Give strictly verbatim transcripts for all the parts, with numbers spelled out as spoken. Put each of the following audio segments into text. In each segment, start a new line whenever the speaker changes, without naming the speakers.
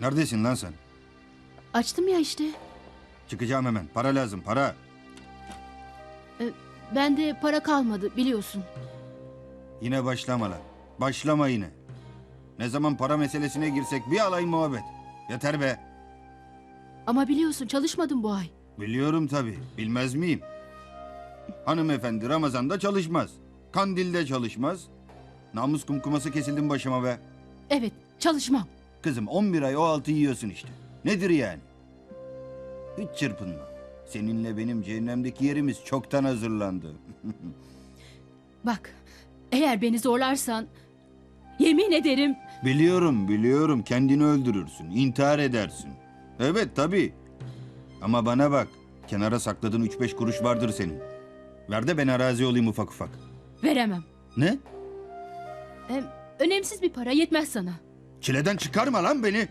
Neredesin lan sen?
Açtım ya işte.
Çıkacağım hemen. Para lazım, para.
Ee, bende para kalmadı biliyorsun.
Yine başlama lan. Başlama yine. Ne zaman para meselesine girsek bir alay muhabbet. Yeter be.
Ama biliyorsun çalışmadım bu ay.
Biliyorum tabii. Bilmez miyim? Hanımefendi Ramazan'da çalışmaz. Kandil'de çalışmaz. Namus kumkuması kesildim başıma be.
Evet çalışmam.
Kızım on bir ay o altı yiyorsun işte. Nedir yani? Hiç çırpınma. Seninle benim cehennemdeki yerimiz çoktan hazırlandı.
Bak eğer beni zorlarsan yemin ederim.
Biliyorum, biliyorum. Kendini öldürürsün, intihar edersin. Evet, tabii. Ama bana bak, kenara sakladığın üç beş kuruş vardır senin. Ver de ben arazi olayım ufak ufak.
Veremem.
Ne?
Hem önemsiz bir para yetmez sana.
Çileden çıkarma lan beni.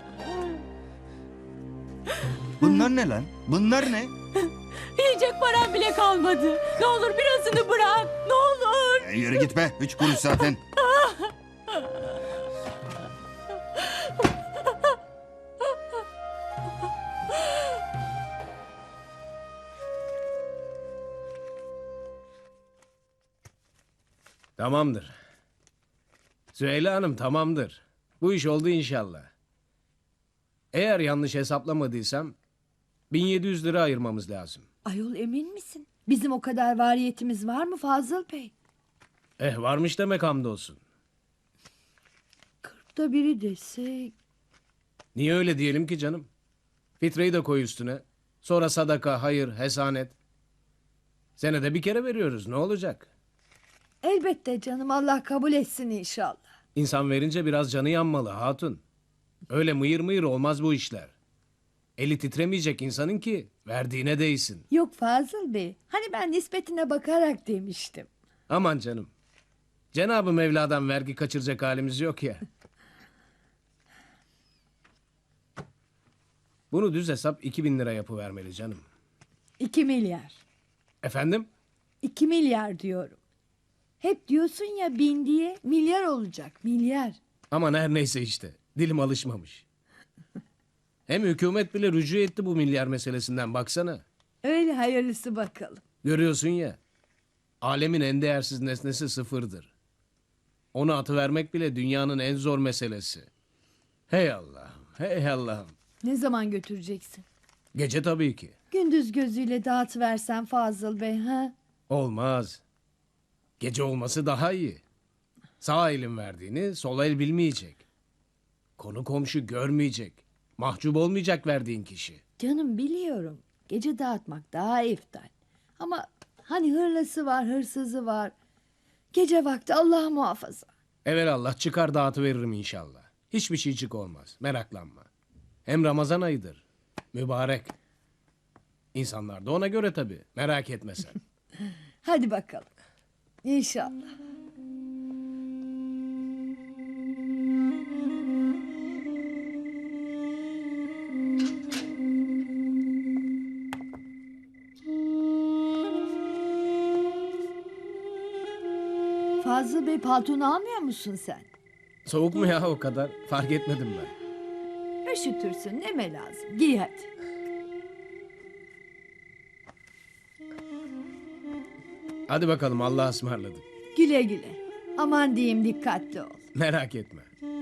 Bunlar ne lan? Bunlar ne?
Yiyecek param bile kalmadı. Ne olur birazını bırak. Ne olur.
E, yürü git be, üç kuruş zaten.
Tamamdır. Süheyla Hanım tamamdır. Bu iş oldu inşallah. Eğer yanlış hesaplamadıysam bin yedi yüz lira ayırmamız lazım.
Ayol emin misin? Bizim o kadar variyetimiz var mı Fazıl Bey?
Eh varmış demek hamdolsun.
Kırkta biri desek...
Niye öyle diyelim ki canım? Fitreyi de koy üstüne. Sonra sadaka, hayır, hesanet. Senede bir kere veriyoruz, ne olacak?
Elbette canım, Allah kabul etsin inşallah.
İnsan verince biraz canı yanmalı hatun. Öyle mıyır mıyır olmaz bu işler. Eli titremeyecek insanın ki verdiğine değsin.
Yok Fazıl Bey, hani ben nispetine bakarak demiştim.
Aman canım. Cenab-ı Mevla'dan vergi kaçıracak halimiz yok ya. Bunu düz hesap iki bin lira yapıvermeli canım.
İki milyar.
Efendim?
İki milyar diyorum. Hep diyorsun ya bin diye, milyar olacak, milyar.
Aman her neyse işte. Dilim alışmamış. Hem hükümet bile rücu etti bu milyar meselesinden baksana.
Öyle hayırlısı bakalım.
Görüyorsun ya. Alemin en değersiz nesnesi sıfırdır. Onu atıvermek bile dünyanın en zor meselesi. Hey Allah'ım, hey Allah'ım.
Ne zaman götüreceksin?
Gece tabii ki.
Gündüz gözüyle dağıtıversen Fazıl Bey, ha?
Olmaz. Gece olması daha iyi. Sağ elin verdiğini sol el bilmeyecek. Konu komşu görmeyecek. Mahcup olmayacak verdiğin kişi.
Canım biliyorum. Gece dağıtmak daha eftal. Ama hani hırlısı var, hırsızı var. Gece vakti Allah muhafaza.
Evelallah çıkar dağıtıveririm inşallah. Hiçbir şeycik olmaz. Meraklanma. Hem Ramazan ayıdır. Mübarek. İnsanlar da ona göre tabii. Merak etme sen.
Hadi bakalım. İnşallah. Fazıl Bey paltonu almıyor musun sen?
Soğuk mu ya o kadar? Fark etmedim ben.
Üşütürsün, neme lazım. Giy hadi.
Hadi bakalım Allah'a ısmarladık.
Güle güle. Aman diyeyim dikkatli ol.
Merak etme.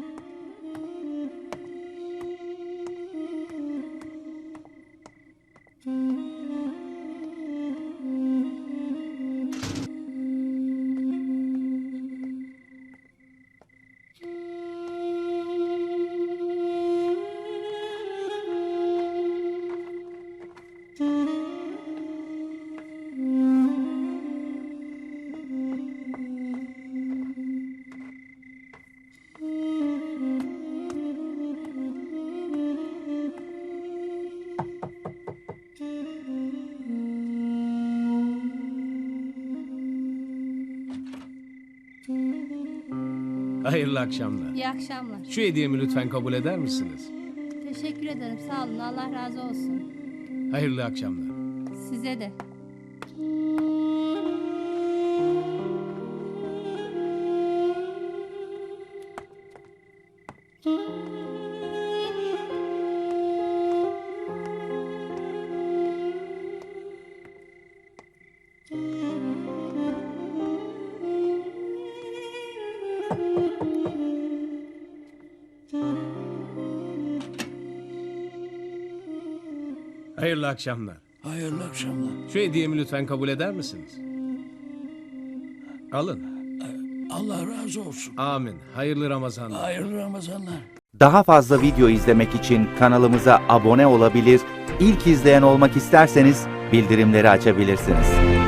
Hayırlı akşamlar.
İyi akşamlar.
Şu hediyemi lütfen kabul eder misiniz?
Teşekkür ederim. Sağ olun. Allah razı olsun.
Hayırlı akşamlar.
Size de.
Hayırlı akşamlar.
Hayırlı akşamlar.
Şu hediyemi lütfen kabul eder misiniz? Alın.
Allah razı olsun.
Amin. Hayırlı Ramazanlar.
Hayırlı Ramazanlar.
Daha fazla video izlemek için kanalımıza abone olabilir, ilk izleyen olmak isterseniz bildirimleri açabilirsiniz.